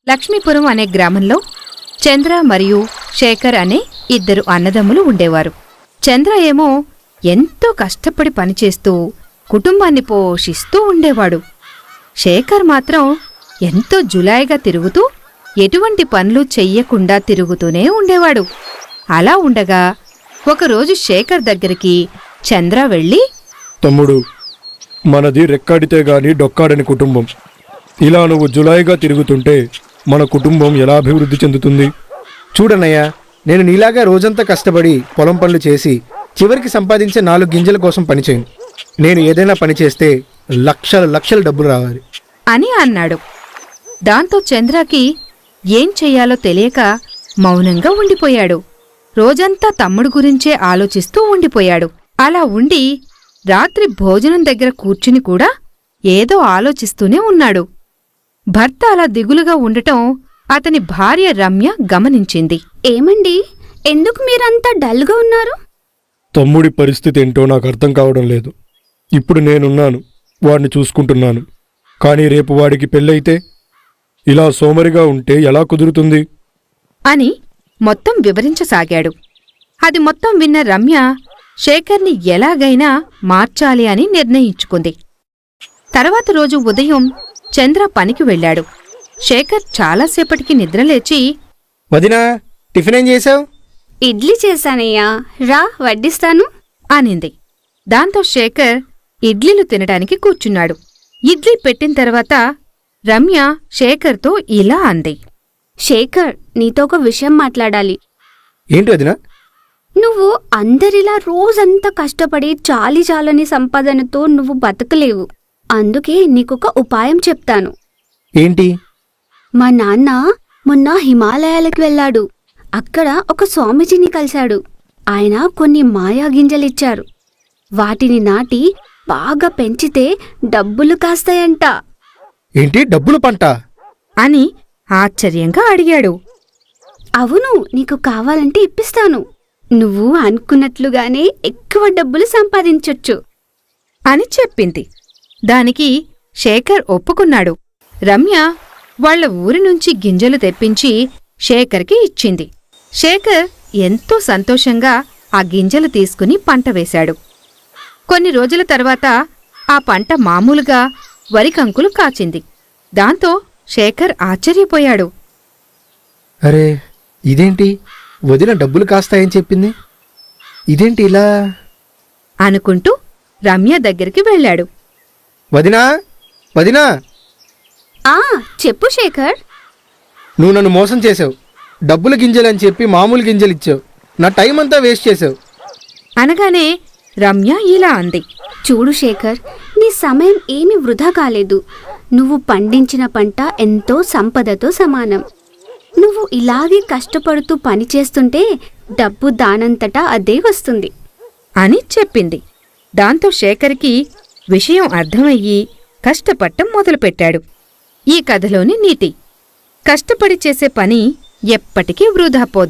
లక్ష్మీపురం అనే గ్రామంలో చంద్ర మరియు శేఖర్ అనే ఇద్దరు అన్నదమ్ములు ఉండేవారు. చంద్ర ఏమో ఎంతో కష్టపడి పనిచేస్తూ కుటుంబాన్ని పోషిస్తూ ఉండేవాడు. శేఖర్ మాత్రం ఎంతో జులాయిగా తిరుగుతూ ఎటువంటి పనులు చెయ్యకుండా తిరుగుతూనే ఉండేవాడు. అలా ఉండగా ఒకరోజు శేఖర్ దగ్గరికి చంద్ర వెళ్ళి, తమ్ముడు, మనది రెక్కాడితే గాని డొక్కాడని కుటుంబం. ఇలా నువ్వు జులాయిగా తిరుగుతుంటే మన కుటుంబం ఎలా అభివృద్ధి చెందుతుంది? చూడన్నయ్యా, నేను నీలాగా రోజంతా కష్టపడి పొలం పనులు చేసి చివరికి సంపాదించే 4 గింజల కోసం పనిచేయను. నేను ఏదైనా పని చేస్తే లక్షల డబ్బులు రావాలి అని అన్నాడు. దాంతో చంద్రకి ఏం చెయ్యాలో తెలియక మౌనంగా ఉండిపోయాడు. రోజంతా తమ్ముడు గురించే ఆలోచిస్తూ ఉండిపోయాడు. అలా ఉండి రాత్రి భోజనం దగ్గర కూర్చుని కూడా ఏదో ఆలోచిస్తూనే ఉన్నాడు. భర్త అలా దిగులుగా ఉండటం అతని భార్య రమ్య గమనించింది. ఏమండి, ఎందుకు మీరంతా డల్గా ఉన్నారు? తమ్ముడి పరిస్థితి ఏంటో నాకు అర్థం కావడం లేదు. ఇప్పుడు నేనున్నాను, వాడిని చూసుకుంటున్నాను. కానీ రేపు వాడికి పెళ్ళైతే ఇలా సోమరిగా ఉంటే ఎలా కుదురుతుంది అని మొత్తం వివరించసాగాడు. అది మొత్తం విన్న రమ్య శేఖర్ని ఎలాగైనా మార్చాలి అని నిర్ణయించుకుంది. తర్వాత రోజు ఉదయం చంద్ర పనికి వెళ్ళాడు. శేఖర్ చాలాసేపటికి నిద్రలేచి, వదినా, టిఫిన్ ఏం చేశావు? ఇడ్లీ చేశానయ్యా, రా వడ్డిస్తాను అనింది. దాంతో శేఖర్ ఇడ్లీలు తినడానికి కూర్చున్నాడు. ఇడ్లీ పెట్టిన తర్వాత రమ్య శేఖర్తో ఇలా అంది. శేఖర్, నీతో ఒక విషయం మాట్లాడాలి. ఏంటి వదినా? నువ్వు అందరిలా రోజంతా కష్టపడి చాలని సంపాదనతో నువ్వు బతకలేవు. అందుకే నీకొక ఉపాయం చెప్తాను. ఏంటి? మా నాన్న మొన్న హిమాలయాలకు వెళ్ళాడు. అక్కడ ఒక స్వామీజీని కలిశాడు. ఆయన కొన్ని మాయా గింజలిచ్చారు. వాటిని నాటి బాగా పెంచితే డబ్బులు కాస్తాయంట. ఏంటి, డబ్బులు పంట? అని ఆశ్చర్యంగా అడిగాడు. అవును, నీకు కావాలంటే ఇప్పిస్తాను. నువ్వు అనుకున్నట్లుగానే ఎక్కువ డబ్బులు సంపాదించొచ్చు అని చెప్పింది. దానికి శేఖర్ ఒప్పుకున్నాడు. రమ్య వాళ్ల ఊరి నుంచి గింజలు తెప్పించి శేఖర్కి ఇచ్చింది. శేఖర్ ఎంతో సంతోషంగా ఆ గింజలు తీసుకుని పంట వేశాడు. కొన్ని రోజుల తర్వాత ఆ పంట మామూలుగా వరికంకులు కాచింది. దాంతో శేఖర్ ఆశ్చర్యపోయాడు. అరే, ఇదేంటి, వదిన డబ్బులు కాస్తాయని చెప్పింది, ఇదేంటి ఇలా? అనుకుంటూ రమ్య దగ్గరికి వెళ్ళాడు. వదినా, వదినా, చెప్పు శేఖర్. నువ్వు నన్ను మోసం చేసావు. డబ్బుల గింజలని చెప్పి మామూలు గింజలు ఇచ్చావు. నా టైం అంతా వేస్ట్ చేసావు అనగానే రమ్య ఇలా అంది. చూడు శేఖర్, నీ సమయం ఏమీ వృధా కాలేదు. నువ్వు పండించిన పంట ఎంతో సంపదతో సమానం. నువ్వు ఇలాగే కష్టపడుతూ పనిచేస్తుంటే డబ్బు దానంతటా అదే వస్తుంది అని చెప్పింది. దాంతో శేఖర్కి విషయం అర్థమయ్యి కష్టపడటం మొదలుపెట్టాడు. ఈ కథలోని నీతి: కష్టపడి చేసే పని ఎప్పటికీ వృధా పోదు.